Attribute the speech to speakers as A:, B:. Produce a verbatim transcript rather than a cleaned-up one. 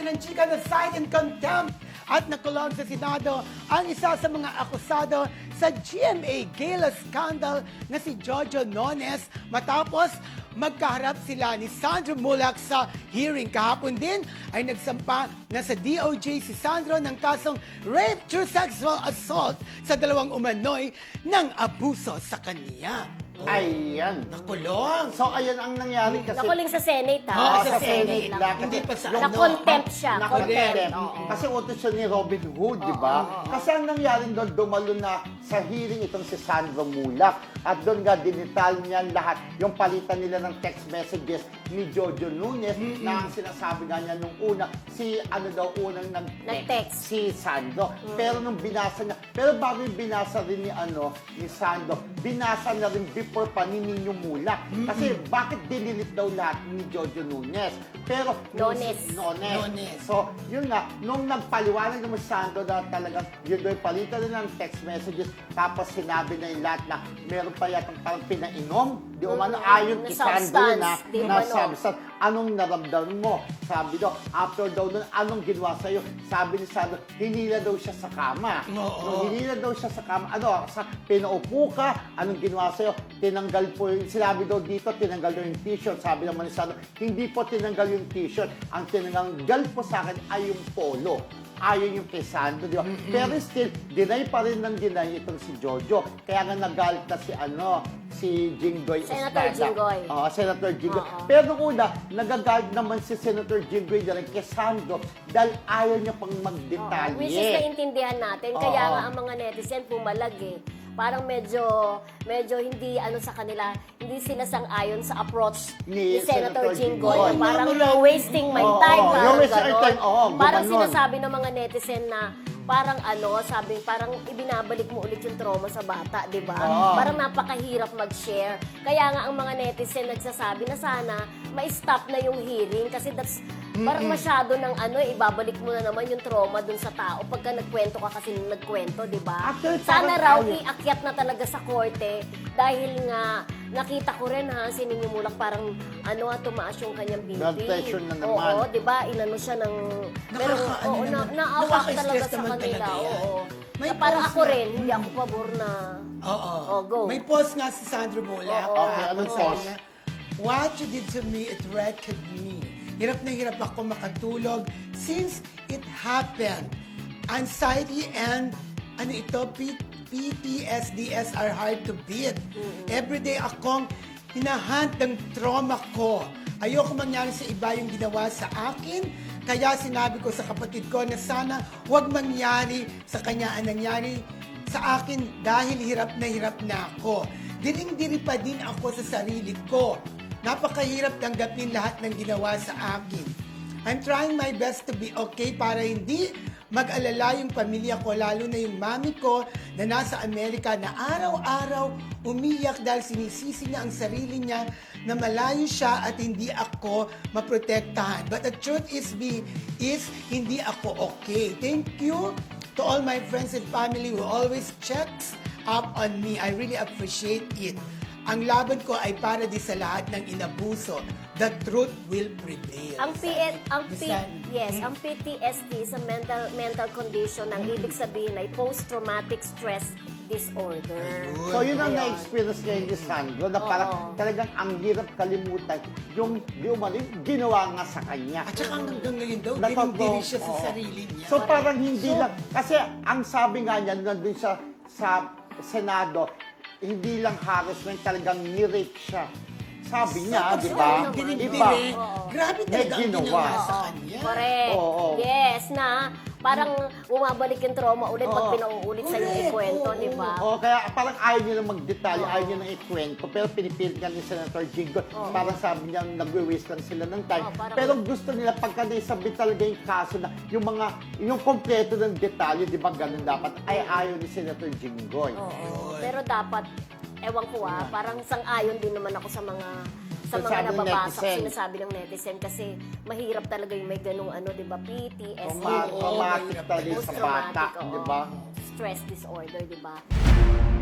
A: ng chika na cite in contempt at nakulong sa Senado ang isa sa mga akusado sa G M A Gala scandal na si Jojo Nones matapos magkaharap sila ni Sandro Mulak sa hearing. Kahapon din ay nagsampa na sa D O J si Sandro ng kasong rape through sexual assault sa dalawang umano'y ng abuso sa kanya. Oh,
B: Ayan.
A: nakulong.
B: So, ayan ang nangyari kasi...
C: Nakuling sa Senate, ha?
A: Oo,
B: Ah,
A: sa
B: sa
A: Senate
B: Senate
A: lang.
B: lang.
A: Hindi pa sa
B: Yung-
A: ano.
C: Na-contempt siya.
B: Nakakontempt.
C: Contempt, oo.
B: Kasi utos siya ni Robin Hood, di ba? Kasi ang nangyari doon, dumalo na sa hearing itong si Sandro Mulak. At doon nga, dinital niya lahat yung palitan nila ng text messages ni Jojo Nunes na ang sinasabi nga niya nung una, si ano daw unang nag-text,
C: Nag-text.
B: si Sandro. Pero nung binasa niya, pero bago yung binasa rin ni ano, ni Sandro, binasa na rin before pa ni Nino Mulak. Kasi bakit dinilit daw lahat ni Jojo Nunes? Pero,
C: Nones.
B: Nones.
A: Nones.
B: So, yun nga, nung nagpaliwanag naman si Sandro na talagang yun daw yung palitan nila ng text messages, tapos sinabi na yung lahat na meron pa yatang parang pinainom, di umano,
C: Mm,
B: ayon
C: na
B: kay Sandro
C: substance,
B: na,
C: di
B: na
C: umano.
B: substance, anong naramdaman mo? Sabi daw, after daw nun, anong ginawa sa'yo? Sabi ni Sandro, hinila daw siya sa kama.
A: Oo.
B: Nung hinila daw siya sa kama, ano, sa, pinaupo ka, anong ginawa sa'yo? Tinanggal po yung, sinabi daw dito, tinanggal daw yung t-shirt. Sabi naman ni Sandro, hindi po tinanggal yung t-shirt. Ang tinanggal po sa akin ay yung polo. Ayon yung kay Sandro, di ba? Pero still, deny pa rin ng deny itong si Jojo. Kaya nga nagalit na si ano, si Jinggoy
C: Senator
B: Estrada.
C: Jinggoy.
B: Oo, Senator Jinggoy.
C: Oo.
B: Pero nung una, nagagalit naman si Senator Jinggoy na rin kay Sandro dahil ayaw niya pang magdetalye.
C: Oo, which is naintindihan natin. Kaya
B: Oo.
C: nga ang mga netizen pumalag eh. Parang medyo, medyo hindi ano sa kanila, hindi sila sang-ayon sa approach
B: Ni
C: ni, Senator,
B: Senator
C: Jinggoy.
B: Jinggoy.
C: Parang
A: Oo,
C: you're wasting my
B: oo,
C: time.
B: oo,
C: parang
B: you're wasting our
C: ganon.
B: time. Oo,
C: Parang
B: gumanon.
C: sinasabi ng mga netizen na parang ano, sabi, parang ibinabalik mo ulit yung trauma sa bata, di ba?
B: Oo.
C: Parang napakahirap mag-share. Kaya nga ang mga netizen nagsasabi na sana ma-stop na yung hearing kasi that's parang masyado ng ano, eh, ibabalik mo na naman yung trauma dun sa tao pagka nagkwento ka kasi nung nagkwento, di ba?
B: Actually,
C: Sana
B: parang
C: raw
B: ayaw.
C: iakyat na talaga sa korte dahil nga nakita ko rin ha, si Nino Mulak parang ano, ah, tumaas yung kanyang B P.
B: Blood pressure na naman.
C: Oo, di ba? Inano siya ng... Pero,
A: Nakaka-
C: oo,
A: ano
C: na,
A: naman,
C: naawa ko
A: nakaka-stress
C: talaga sa
A: naman
C: kanila.
A: talaga yan.
C: Oo.
A: May
C: Na parang
A: post
C: ako
A: na-
C: rin, hindi ako pabor na...
A: Oo.
C: Oh, go.
A: May post nga si Sandro Mulak.
C: Oo.
B: Okay, anong
A: Sabi
B: post?
A: niya, what you did to me, it wrecked me. Hirap na hirap ako makatulog since it happened. Anxiety and ano ito, P- P T S Ds are hard to beat. Everyday akong hinahunt ng trauma ko. Ayoko mangyari sa iba yung ginawa sa akin. Kaya sinabi ko sa kapatid ko na sana huwag mangyari sa kanya ang nangyari sa akin dahil hirap na hirap na ako. Diring-diri pa din ako sa sarili ko. Napakahirap tanggapin lahat ng ginawa sa akin. I'm trying my best to be okay para hindi mag-alala yung pamilya ko, lalo na yung mami ko na nasa Amerika na araw-araw umiyak dahil sinisisi niya ang sarili niya na malayo siya at hindi ako maprotektahan. But the truth is, be, is hindi ako okay. Thank you to all my friends and family who always checks up on me. I really appreciate it. Ang laban ko ay para di sa lahat ng inabuso. The truth will prevail.
C: Ang P ang P
A: Bisan-
C: yes, ang P T S D sa mental mental condition ang ibig sabihin ay post-traumatic stress disorder.
B: So yun ang
C: Ayun.
B: na-experience ngayon ni Sandro na parang
C: Oo.
B: talagang ang hirap kalimutan yung di umano, yung ginawa nga sa kanya.
A: At saka hanggang ngayon daw,
B: Natatawa-
A: dinindiri siya sa
B: oo.
A: sarili niya.
B: So parang hindi
A: So,
B: lang, kasi ang sabi nga niya nandun siya sa Senado, hindi lang harassment, talagang ni-rape siya. Sabi niya,
A: so,
B: di ba?
A: so, dinindiri,
B: Iba.
C: Oo.
A: grabe
B: May
A: talaga ang
B: ginawa.
A: ginawa sa
C: Oo,
A: kanya.
C: correct.
B: Oo.
C: Yes, na parang bumabalik yung trauma ulit pag
B: Oo.
C: pinauulit sa yung
A: Correct.
C: ikwento,
A: Oo.
C: di ba?
B: O kaya parang ayaw niya na magdetalye,
C: Oo.
B: ayaw niya na ikwento, pero pinipilit nga ni Senator Jinggoy. Parang sabi niya, nagwe-waste lang sila ng time.
C: Oo, parang-
B: pero gusto nila pagka naisabit talaga yung kaso na yung mga, yung kompleto ng detalye, di ba ganun dapat, ay ayaw ni Senator Jinggoy.
C: Oo. Pero dapat, ewan ko ah, parang sang-ayon din naman ako sa mga sa mga
B: Sinasabi ng
C: nababasa,
B: netizen.
C: sinasabi ng netizen kasi mahirap talaga yung may ganung ano, 'di ba? P T S D,
B: Traumatic
A: Oo,
B: talaga yung sa bata,
C: post-traumatic, oo.
B: di ba?
C: Stress disorder, 'di ba?